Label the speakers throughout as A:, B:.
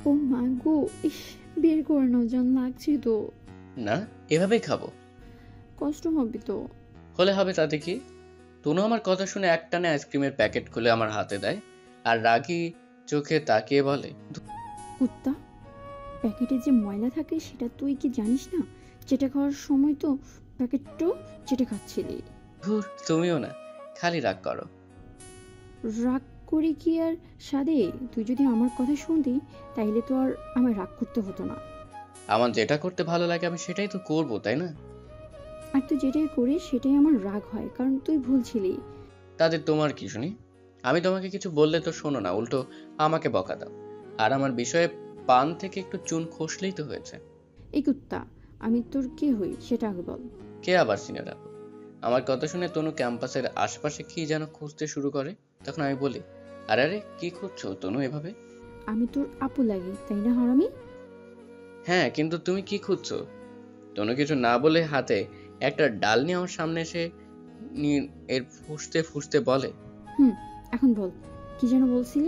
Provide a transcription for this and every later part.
A: ও মা গো, ইস, বের করে নাও জান, লাগছে তো।
B: না, এভাবেই খাবো।
A: কষ্ট হবে তো।
B: হলে হবে, তাতে কি? তনু আমার কথা শুনে একটানে আইসক্রিমের প্যাকেট খুলে আমার হাতে দেয় আর রাগী চোখে তাকিয়ে বলে,
A: কুত্তা, প্যাকেটে যে ময়লা থাকে সেটা তুই কি জানিস না? চেটে খাওয়ার সময় তো প্যাকেটটাও চেটে খাচ্ছিলি।
B: ধুর, তুমিও না, খালি রাগ করো।
A: রাগ করি কি আর সাদে? তুই যদি আমার কথা শুনতি তাইলে তো আর আমায় রাগ করতে হতো না।
B: আমার যেটা করতে ভালো লাগে আমি সেটাই তো করবো, তাই না?
A: আর তুই যেটাই করিস সেটাই আমার রাগ হয়, কারণ তুই ভুল ছিলি।
B: তাদের তোমার কি শুনি? আমি তোমাকে কিছু বললে তো শোনো না, উল্টো আমাকে বকা দাও। আর আমার বিষয়ে পান থেকে একটু চুন খসলেই তো হয়েছে।
A: এই কুত্তা, আমি তোর কে হই সেটা আগে বল।
B: কে আবার সিনিয়র আপু? আমার কথা শুনে তনু ক্যাম্পাসের আশপাশে কি যেন খুঁজতে শুরু করে। তখন আমি বলি, আরে আরে, কি খুঁজছো তনু এভাবে?
A: আমি তোর আপু লাগি তাই না হারামি?
B: হ্যাঁ, কিন্তু তুমি কি খুঁজছো? তনু কিছু না বলে হাতে একটা ডাল নিয়ে আমার সামনে এসে এর ফুঁসতে ফুঁসতে বলে,
A: হুম, এখন বল, কি যেন বলছিলি?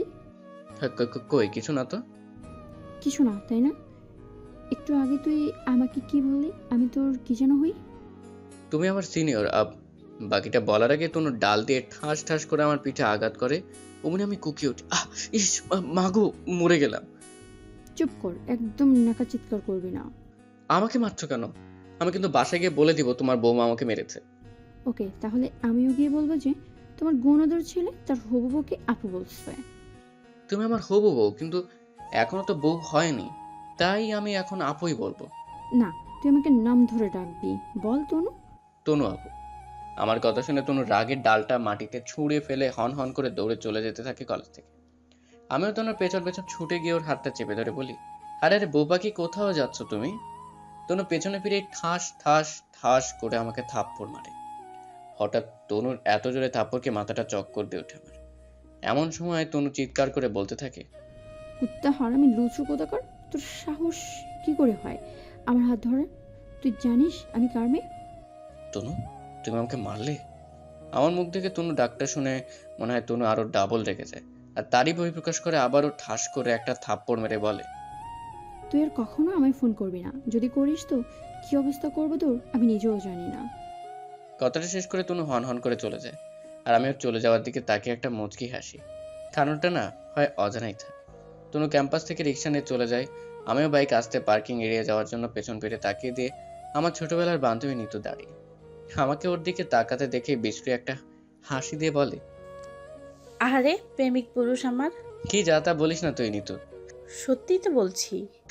B: কই কিছু না তো।
A: কিছু না তাই না? একটু আগে তুই আমাকে কি বললি আমি তোর কি যেন হই?
B: তুমি আমার সিনিয়র আপ। বাকিটা বলার আগে তনু ডাল দিয়ে ঠাস ঠাস করে আমার পিঠে আঘাত করে। অমনি আমি কুকিয়ে উঠি, আহ, ইস, মাগো, মরে গেলাম।
A: চুপ কর, একদম নাকা চিৎকার করবি না।
B: আমাকে মারছো কেন? আমি কিন্তু বাসায় গিয়ে বলে দিব তোমার বৌমা আমাকে মেরেছে।
A: ওকে, তাহলে আমিও গিয়ে বলবো যে তোমার গুণধর ছেলে তার হবু বউকে আপু বলছে।
B: তুমি আমার হবু বউ, কিন্তু এখনো তো বউ হয়নি, তাই আমি এখন আপুই বলবো।
A: না, তুই আমাকে নাম ধরে ডাকবি। বল তনু।
B: তনু আপু। আমার কথা শুনে তনু রাগের ডালটা মাটিতে ছুঁড়ে ফেলে হন হন করে দৌড়ে চলে যেতে থাকে কলেজ থেকে। আমিও তনুর পেছন পেছন ছুটে গিয়ে ওর হাতটা চেপে ধরে বলি, আরে আরে বউ পাখি, কোথাও যাচ্ছ তুমি? তনু পেছনে ফিরে ঠাস ঠাস ঠাস করে আমাকে থাপ্পড় মারে। হঠাৎ তনুর এত জোরে থাপ্পড়কে মাথাটা চক্কর দিয়ে ওঠে আমার। এমন সময় তনু চিৎকার করে বলতে থাকে,
A: কুত্তা হারামি লুচু কোথাকার, তোর সাহস কি করে হয় আমার হাত ধরে? তুই জানিস আমি কার মেয়ে?
B: তনু, তুমি আমাকে মারলে? আমার মুখ থেকে তনু ডাকটা শুনে মনে হয় তনু আরো ডাবল রেগে যায়, আর তারই বহিঃপ্রকাশ করে আবারও ঠাস করে একটা থাপ্পড় মেরে বলে,
A: তুই আর কখনো আমায় ফোন করবি না, যদি করিস তো কি অবস্থা করবো তোর আমি নিজেও জানি না।
B: কথাটা শেষ করে তনু হন হন করে চলে যায়। আর আমিও চলে যাওয়ার দিকে তাকিয়ে একটা মুচকি হাসি। কারণটা না হয় অজানাই থাকে। তনু ক্যাম্পাস থেকে রিক্সা নিয়ে চলে যায়। আমিও বাইক আসতে পার্কিং এড়িয়ে যাওয়ার জন্য পেছন ফিরে তাকিয়ে দিয়ে আমার ছোটবেলার বান্ধবী নিতু দাঁড়িয়ে আমাকে ওর দিকে তাকাতে দেখে বিশ্রী একটা হাসি দিয়ে বলে,
C: আহারে প্রেমিক পুরুষ আমার।
B: কি যা তা বলিস না তুই নিতু।
C: সত্যিই তো বলছি।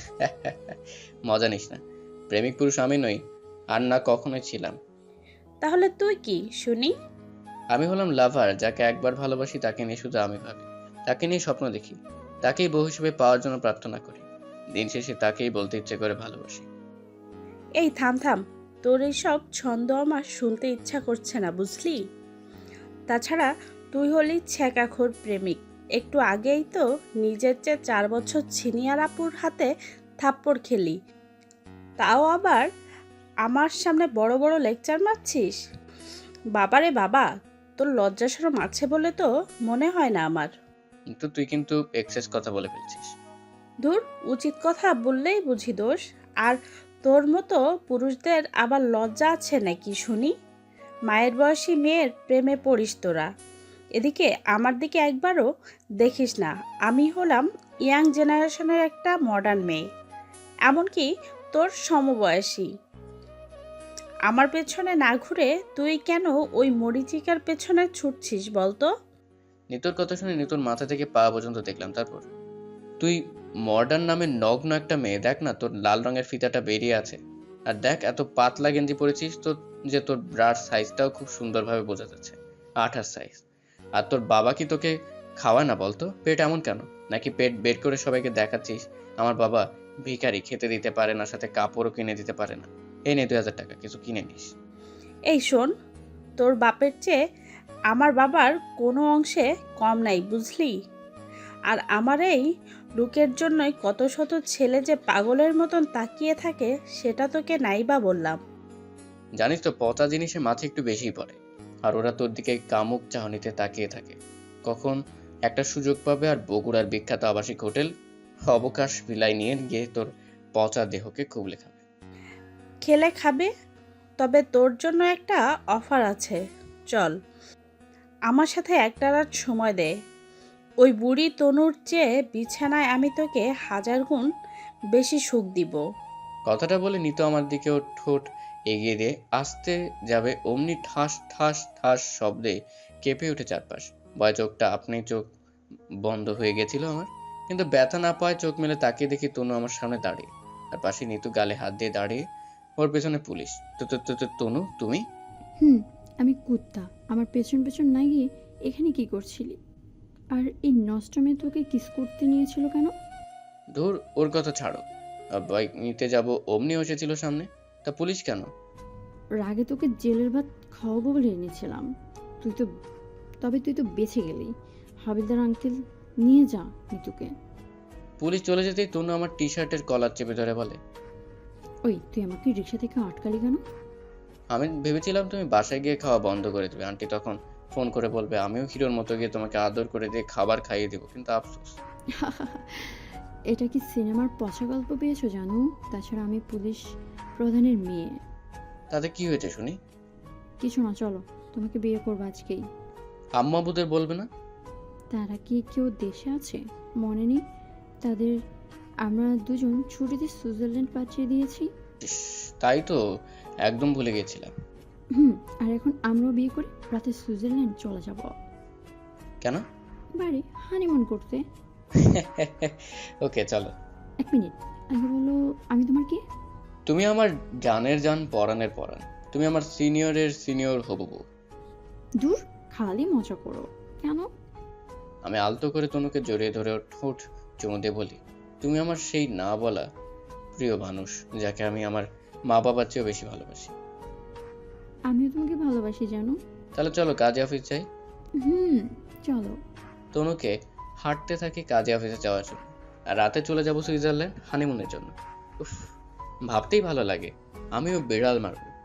B: মজা নিস না। প্রেমিক পুরুষ আমি নই, আর না কখনোই ছিলাম।
C: তাহলে তুই কি শুনি?
B: আমি হলাম লাভার, যাকে একবার ভালোবাসি তাকে নিয়ে শুধু আমি ভাবি, তাকে নিয়ে স্বপ্ন দেখি, তাকেই বউ হিসেবে পাওয়ার জন্য প্রার্থনা করি। দিন শেষে তাকেই বলতে ইচ্ছে করে ভালোবাসি।
C: এই থাম থাম, তোর এইসব ছন্দ আমার শুনতে ইচ্ছা করছে না বুঝলি। তাছাড়া তুই হলি ছ্যাঁকাখোর প্রেমিক। একটু আগেই তো নিজের চেয়ে 4 বছর সিনিয়র আপুর হাতে থাপ্পড় খেলি, তাও আবার আমার সামনে বড় বড় লেকচার মারছিস। বাবারে বাবা, তোর লজ্জা শরম আছে বলে তো মনে হয় না আমার।
B: কিন্তু তুই কিন্তু এক্সেস কথা বলে ফেলছিস।
C: ধুর, উচিত কথা বললেই বুঝি দোষ। আর তোর মতো পুরুষদের আবার লজ্জা আছে নাকি শুনি? মায়ের বয়সী মেয়ের প্রেমে পড়িস তোরা। এদিকে আমার দিকে একবারও দেখিস না। আমি হলাম ইয়াং জেনারেশনের একটা মডার্ন মেয়ে, এমনকি তোর সমবয়সী। আমার পেছনে না ঘুরে তুই কেন ওই মরিচিকার পেছনে ছুটছিস বলতো?
B: নিতোর কথা শুনে নিতোর মাথা থেকে পা পর্যন্ত দেখলাম। তারপর, তুই মডার্ন নামে নগ্ন একটা মেয়ে, দেখ না তোর লাল রঙের ফিতাটা বেরিয়ে আছে। আর দেখ এত পাতলা গেঞ্জি পরেছিস তো, যে তোর ব্রার সাইজটাও খুব সুন্দরভাবে বোঝা যাচ্ছে, 28 সাইজ। আর তোর বাবা কি তোকে খাওয়ায় না বলতো? পেট এমন কেন? নাকি পেট বের করে সবাইকে দেখাচ্ছিস আমার বাবা ভিখারি, খেতে দিতে পারে না, সাথে কাপড়ও কিনে দিতে পারে না, এই নে 2000 টাকা, কিছু কিনে নিস।
C: এই শোন, তোর বাপের চেয়ে আমার বাবার কোনো অংশে কম নাই বুঝলি। আর আমার এই লুকের জন্যই কত শত ছেলে যে পাগলের মতন তাকিয়ে থাকে সেটা তোকে নাইবা বললাম।
B: জানিস তো, পচা জিনিসে মাছে একটু বেশিই পড়ে। আর ওরা তোর দিকে কামুক চাহনিতে তাকিয়ে থাকে, কখন একটা সুযোগ পাবে আর বগুড়ার বিখ্যাত আবাসিক হোটেল অবকাশ বিলাই নিয়ে গিয়ে তোর পচা দেহকে কুবলে খাবে।
C: খেলে খাবে, তবে তোর জন্য একটা অফার আছে। চল, আমার সাথে একটা রাত সময় দে। ওই বুড়ি তনুর চেয়ে বিছানায় আমি তোকে 1000 গুণ বেশি সুখ দিব।
B: কথাটা বলে নিতু আমার দিকে ওর ঠোঁট এগিয়ে দিয়ে আসতে যাবে, অমনি ঠাস ঠাস ঠাস শব্দে কেঁপে উঠে চারপাশ। ভয় চোখটা আপনি চোখ বন্ধ হয়ে গেছিল আমার, কিন্তু ব্যথা না পায় চোখ মেলে তাকিয়ে দেখি তনু আমার সামনে দাঁড়িয়ে, আর পাশে নিতু গালে হাত দিয়ে দাঁড়িয়ে, ওর পেছনে পুলিশ। তনু তুমি?
A: হুম, আমি কুত্তা। আমার পেছন পেছন না গিয়ে এখানে কি করছিলি? আর এই নষ্ট মেয়ে তোকে কিস করতে নিয়েছিল কেন?
B: ধুর, ওর কথা ছাড়ো। বাইক নিতে যাব অমনি এসেছিল সামনে, তা পুলিশ কেন?
A: রাগে তোকে জেলের ভাত খাওয়াবো বলে এনেছিলাম। তুই তো বেঁচে গেলি। হাবিলদার আঙ্কেল নিয়ে যা নিতুকে।
B: পুলিশ চলে যেতেই তনু আমার টি শার্টের কলার চেপে ধরে বলে,
A: ওই তুই আমাকে রিক্সা থেকে আটকালি কেন?
B: আমি ভেবেছিলাম তুমি বাসায় গিয়ে খাওয়া বন্ধ করে দেবে। আন্টি তখন ফোন করে বলবে আমিও হিরোর মতো গিয়ে তোমাকে আদর করে দিয়ে খাবার খাইয়ে দেবো, কিন্তু আফসোস।
A: এটা কি সিনেমার পচা গল্প পেয়েছো জানো? তাছাড়া আমি পুলিশ প্রধানের মেয়ে।
B: তাতে কি হয়েছে শুনি?
A: কিছু না, চলো, তোমাকে বিয়ে করবো আজকেই।
B: আম্মা আব্বুদের বলবে না?
A: তারা কি কেউ দেশে আছে? মনে নেই তাদের? আমরা দুজন ছুটিতে সুইজারল্যান্ড পাঠিয়ে দিয়েছি।
B: ইস, তাই তো, একদম ভুলে গেছিলাম।
A: আর এখন আমরাও বিয়ে করে রাতে সুইজারল্যান্ড চলে যাব।
B: কেন?
A: বাড়ি হানিমুন করতে।
B: ওকে চলো।
A: এক মিনিট, আগে বলো আমি তোমার কি?
B: তুমি আমার জানের জান, পরাণের পরাণ। তুমি আমার সিনিয়রের সিনিয়র হবু বউ।
A: দূর, খালি মজা করো। কেন?
B: আমি আলতো করে তনুকে জড়িয়ে ধরে ওর ঠোঁট চুমু দিয়ে বলি, তুমি আমার সেই না বলা প্রিয় মানুষ, যাকে আমি আমার মা বাবার চেয়েও বেশি ভালোবাসি।
A: আমিও তোমাকে ভালোবাসি জানো।
B: তাহলে চলো কাজে অফিস যাই।
A: চলো।
B: তনুকে হাঁটতে থাকি কাজে অফিসে যাওয়ার জন্য, আর রাতে চলে যাব সুইজারল্যান্ড হানিমুনের জন্য। উফ, ভাবতেই ভালো লাগে। আমিও বিড়াল মারবো।